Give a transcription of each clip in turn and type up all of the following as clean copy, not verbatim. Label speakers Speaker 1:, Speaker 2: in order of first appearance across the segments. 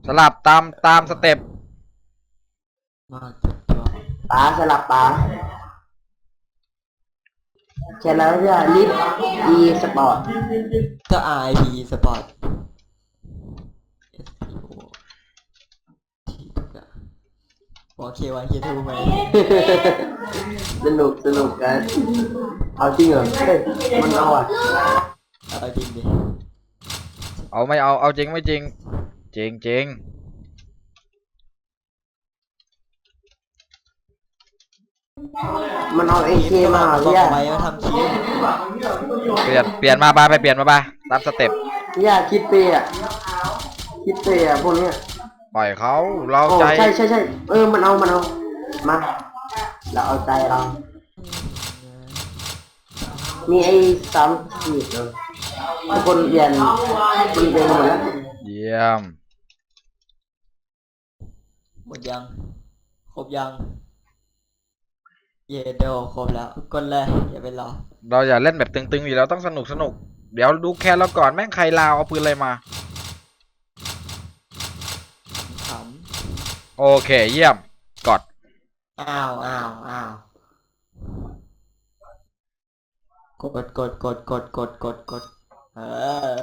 Speaker 1: สลับตามสเต็ป
Speaker 2: มาจับตัว
Speaker 3: ป๋าสลับป๋าแค่แล้วจะลิฟต์อีสปอร์ต
Speaker 2: ก็ RIP Sport SPO ที่ทุกอย่างบอก K1 K2 ไหม
Speaker 3: สนุกกันเอาจริงเหรอเฮ้ยมันเอาอ่ะ
Speaker 2: เอาจริงดิ
Speaker 1: เอาไม่เอาจริงไม่จริงจริง
Speaker 3: มันเอาเอเคมา
Speaker 2: บอก
Speaker 3: พี่ยา
Speaker 2: ไปว่าทำคลิป
Speaker 1: เปลี่ยนมาไปเปลี่ยนมาตามสเต็ป
Speaker 3: พี่ยาคิดเปย์อ่ะพวกเนี้ย
Speaker 1: ปล่อยเขาเรา
Speaker 3: โอ้
Speaker 1: ใจ
Speaker 3: ใช่มันเอามาเราเอาใจเรามีไอ้3 ขีดเลยทุกคนเปลี่ยนหมดแล้ว
Speaker 1: เยี่ยม
Speaker 2: หมดยังครบยังเยเดโครบแล้วกดเลยอย่าไปรอ
Speaker 1: เราอย่าเล่นแบบตึงๆอยู่แล้วต้องสนุกเดี๋ยวดูแค่เราก่อนแม่งใครลาวเอาปืนอะไรมา
Speaker 2: ข
Speaker 1: โอเคเยี่ยมกด
Speaker 2: ำอ้าวกดเออ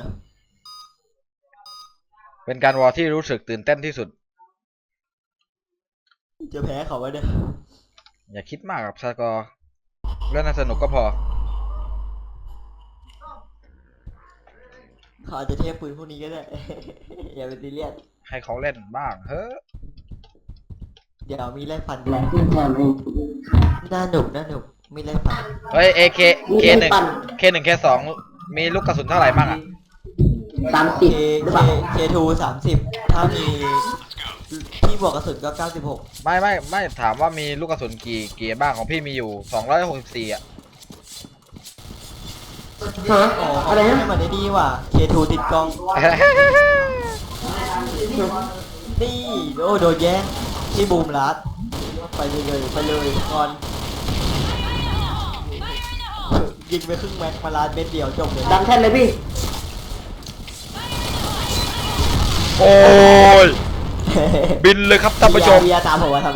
Speaker 1: เป็นการวอร์ที่รู้สึกตื่นเต้นที่สุด
Speaker 2: จะแพ้เขาไว้เด้อ
Speaker 1: อย่าคิดมากกับสกอร์เล่นให้สนุกก็พอ
Speaker 2: เขาอาจจะเทพปืนพวกนี้ก็ได้ อย่าไปซีเรียส
Speaker 1: ให้เขาเล่นบ้างเฮ้อ
Speaker 2: เดี๋ยวมีไล่ฟัน
Speaker 3: แหลกขึ้นแทนเอง
Speaker 2: น่าหนุกมีไล่ฟัน
Speaker 1: เฮ้ยK1 K2 มีลูกกระสุนเท่าไหร่บ้างอ่ะ
Speaker 3: 30หรือเปล่า
Speaker 2: K2 30ถ้ามีที่บวกกระสุนก็96
Speaker 1: ไม่ถามว่ามีลูกกระสุนกี่บ้างของพี่มีอยู่264อ่ะ
Speaker 3: ฮะ
Speaker 2: อ๋อ
Speaker 3: อะไรนะ
Speaker 2: ให้มันได้ดีว่ะ K2 ติดกล้องนี่โอ้โดนแย่งที่บูมรัดไปเลยก่อนยิงไปครึ่งแม็กมาลาดเม็ดเดียวจบเลย
Speaker 3: ดังแท่นเลยพี่
Speaker 1: โอ้ยบินเลยครับท่านผู้ชม
Speaker 2: พี่ตามผมมาทำไม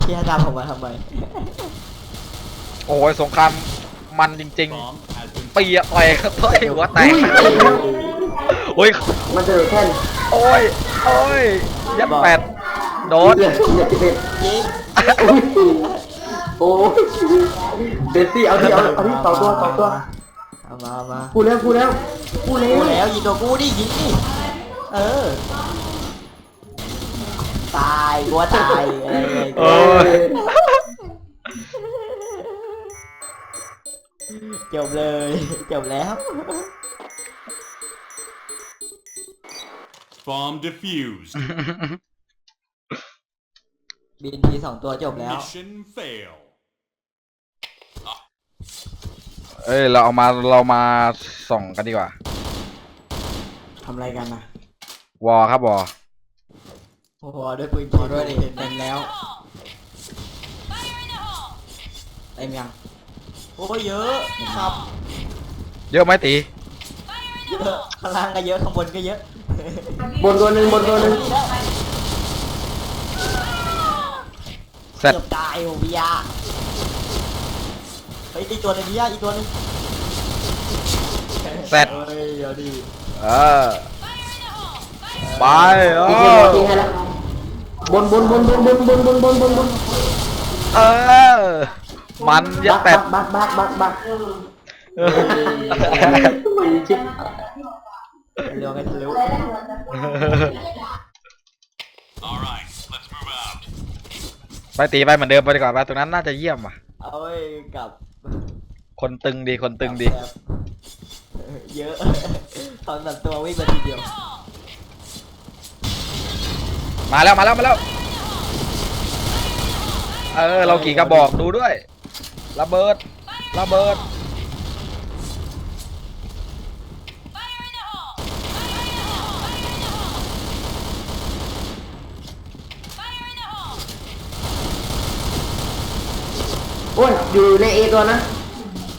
Speaker 1: โอ้ยสงครามมันจริงๆปีอะต่อยหัวแตกโอ้ย
Speaker 3: มาเจอแท่น
Speaker 1: โอ้ยยัดแปดโดน
Speaker 3: เหลือ11
Speaker 2: ยิง
Speaker 3: โอ้ยเบสซี่เอาที่2 ตัว
Speaker 2: เอามา
Speaker 3: พูดแล้ว
Speaker 2: กูแล้วยิงตัวกูดิยิงดิเออตายกูว่าตายอะไร
Speaker 1: โอ้ย
Speaker 2: จบเลยจบแล้ว
Speaker 4: Bomb defused.
Speaker 2: บินที2 ตัวจบแล้ว
Speaker 4: Mission fail.
Speaker 1: เอ้ยเรามาส่องกันดีกว่า
Speaker 3: ทำอะไรกันนะ
Speaker 1: วอครับวอ
Speaker 2: โอ้โหด้วยปืนจีด้วยดิเต็มแล้ว
Speaker 3: เต็มยัง
Speaker 2: โอ้ยเยอะครับ
Speaker 1: เยอะไหมตี
Speaker 2: เยอะข้างล่างก็เยอะข้างบนก็เยอะ
Speaker 3: บนตัวหนึ่ง
Speaker 1: เสร็จ
Speaker 2: เกือบตายโอ้พิยาเฮ้ยอีกตัวหนึงพิยาอีกตัวหนึง
Speaker 1: เสร็จ
Speaker 2: เฮ้ยเอาดิ
Speaker 1: เออไปเอ
Speaker 3: อีกที
Speaker 1: อ
Speaker 3: ให้แล้วบน
Speaker 1: เออมันยัดแปด
Speaker 3: บักมันชิบ
Speaker 2: เร็วกันเร็ว
Speaker 4: All right, let's move out.
Speaker 1: ไปตีไปเหมือนเดิมไปดีกว่าไปตรงนั้นน่าจะเยี่ยมว่ะ
Speaker 2: เอาไว้กลับ
Speaker 1: คนตึงดี
Speaker 2: แบบเยอะตอนแบบตัววิ่งมาทีเดียว
Speaker 1: มาแล้วเออเรากี่กระบอกดูด้วยระเบิด
Speaker 3: โอ้ยอยู่ในเอตัวนะ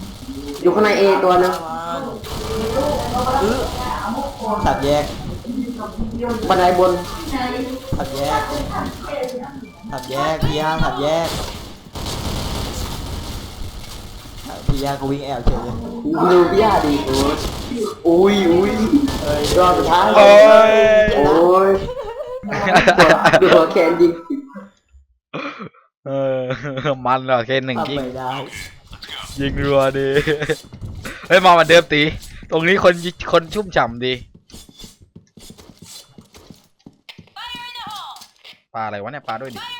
Speaker 3: อยู่ข้างในเอตัวนึง
Speaker 2: สับแยก
Speaker 3: บันไดบน
Speaker 2: ทำแยกพี่ย่าทำแยกพี่ย่าก็วิ่งแอบเฉยเลย
Speaker 3: ดูพี่ย่าดีอุ้ยรอบสุดท้าย
Speaker 1: โอ้ย
Speaker 3: โอ้ยดูหัวแขนยิง
Speaker 1: เออมันเหรอเคนหนึ่ง
Speaker 2: ทำ
Speaker 1: ยิง
Speaker 2: ไม่ได้
Speaker 1: ยิงรัวดี เฮ้ยมาเหมือนเดิมตี ตรงนี้คนชุ่มฉ่ำดีปลาอะไรวะเนี่ยปลาด้วยดิ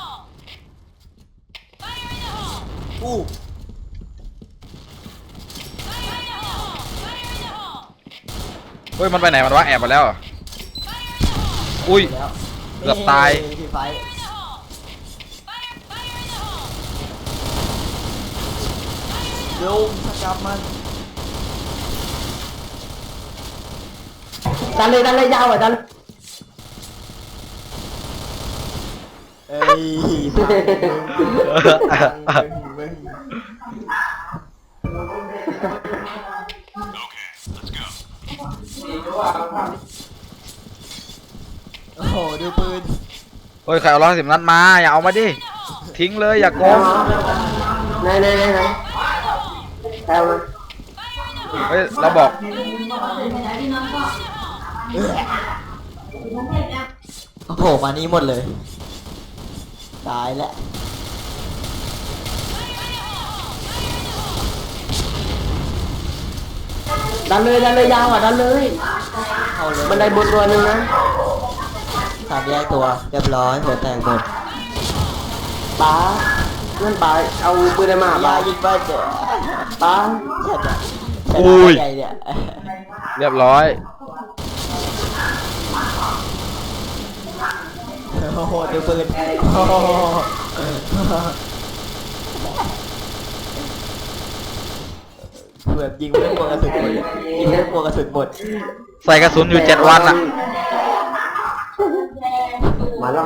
Speaker 2: อู้
Speaker 1: เฮ้ยมันไปไหนมันวะแอบมาแล้วเหรออุ้ย
Speaker 2: แล้ว
Speaker 1: เกือบตาย
Speaker 2: พี่ไฟลุงสกัดมัน
Speaker 3: ดันเลยยาวอ่ะดัน
Speaker 2: เอ้ยมึง
Speaker 4: Okay, let's go.
Speaker 2: โอ้โหดูปืน
Speaker 1: เฮ้ยใครเอา110นัดมาอย่าเอามาดิทิ้งเลยอย่าโกง
Speaker 3: ไหนเอามา
Speaker 1: เฮ้ยเราบอก
Speaker 2: โอ้โหมานี้หมดเลยตายแล้ว
Speaker 3: ดันเลยยาวอ่ะดันเลย
Speaker 2: เอาเลย
Speaker 3: บันไดบนตัวหนึ่งนะ
Speaker 2: สามแยกตัวเรียบร้อยหัวแตกหมด
Speaker 3: ป้านั่นป้าเอาปืนอะไรมา
Speaker 2: ยา
Speaker 3: ป้า
Speaker 2: ยิงบ้านเจ๋อ
Speaker 3: ป้า
Speaker 2: ชนะ
Speaker 1: อุ้ย
Speaker 2: ใหญ่เนี่ย
Speaker 1: เรียบร้อย
Speaker 2: โอ้โหดูปืนโอ้โหแบบยิงไม่ได้หัวกระสุนหมดยิงไม่ได้หัวกระสุนหมด
Speaker 1: ใส่กระสุนอยู่7 วันอ่ะ
Speaker 3: มาแล้ว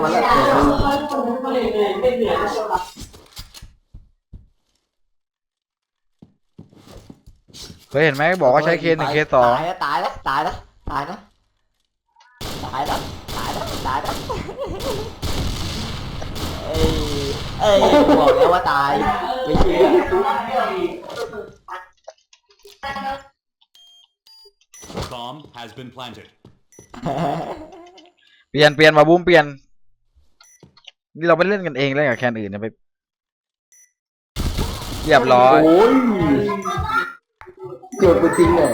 Speaker 1: เคยเห็นไหมบอกว่าใช้เค1 เค2
Speaker 2: ตายแล้วเอ้ยบอกแล้วว่าตายไม่เชื่อ
Speaker 4: Bomb has been planted.
Speaker 1: เปลี่ยนมาบูมเปลี่ยนนี่เราไปเล่นกันเองเล่นกับแคนอื่นเนี่ยไปเรียบร้อย
Speaker 3: โอ้ยโจดปืนจริงเลย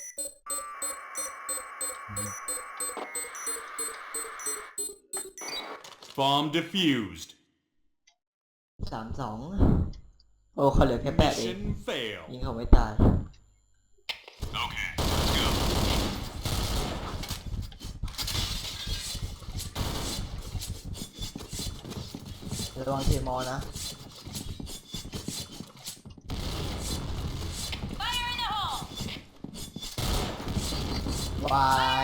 Speaker 4: Bomb defused.
Speaker 2: 3-2โอ้เขาเหลือแค่8เอง
Speaker 4: Mission fail.
Speaker 2: ยิงเขาไม่ตาย
Speaker 4: Okay, let's go.
Speaker 2: ระวังเทมอนะวาย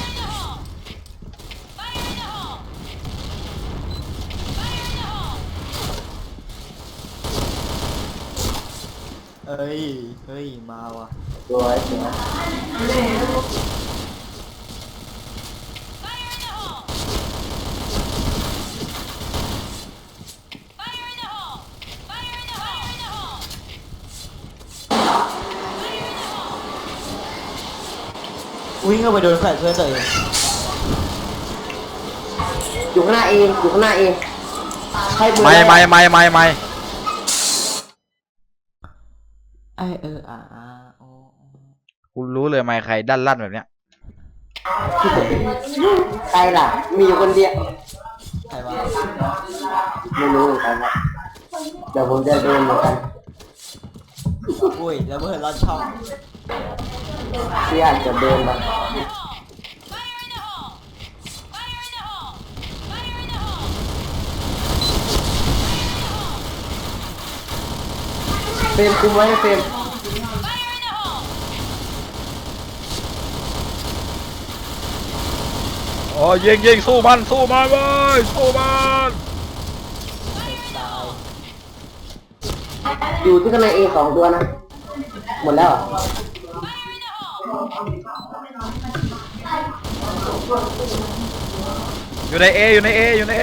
Speaker 2: เฮ้ยมาว่ะ
Speaker 3: สวย
Speaker 2: วิ่งเข้าไปโดนแฟนเพื่อนตัวเอง
Speaker 3: อยู่ข้างหน้าเองให้ปืน
Speaker 1: ไม่
Speaker 2: ไอโอ้
Speaker 1: คุณรู้เลยไม่ใครด้านลั่นแบบเนี้ย
Speaker 3: ใครล่ะมีอยู่คนเดียว
Speaker 2: ใครวะ
Speaker 3: ไม่รู้เหมือนกันครับเดี๋ยวผมจะโดนเหมือนกัน
Speaker 2: อุ้ยแล้วเพื่อนรอดช่อง
Speaker 3: ที่อาจจะโดนแบบเฟรมคุมไว้นะเฟรม
Speaker 1: อ๋อยิงสู้มันเว้ยสู้มัน
Speaker 2: ตาย
Speaker 3: อยู่ที่ข้างในเอ2 ตัวนะหมดแล้วเหรอ
Speaker 1: อยู่ในเออยู่ในเออยู่ในเอ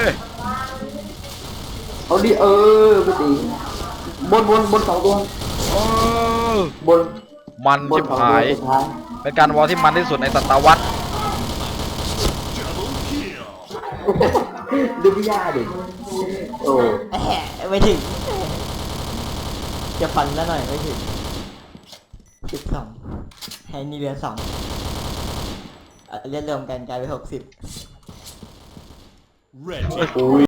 Speaker 3: เอาดิไปตีบนสองตัว
Speaker 1: โอ้
Speaker 3: บน
Speaker 1: มัน
Speaker 3: บน
Speaker 1: ชิบ
Speaker 3: สอง
Speaker 1: หา
Speaker 3: ตัวย สุดท้าย
Speaker 1: เป็นการวอลที่มันที่สุดในศตวรรษ
Speaker 4: Double kill.
Speaker 3: ดูพี่ย่าดิโอ้
Speaker 2: แหะไม่ถึง จะฟันแล้วหน่อยไม่ถึง12ให้นี่เหลือ2เรียกรวมกันกลายเป็น60
Speaker 4: Red team.
Speaker 3: โอ้ย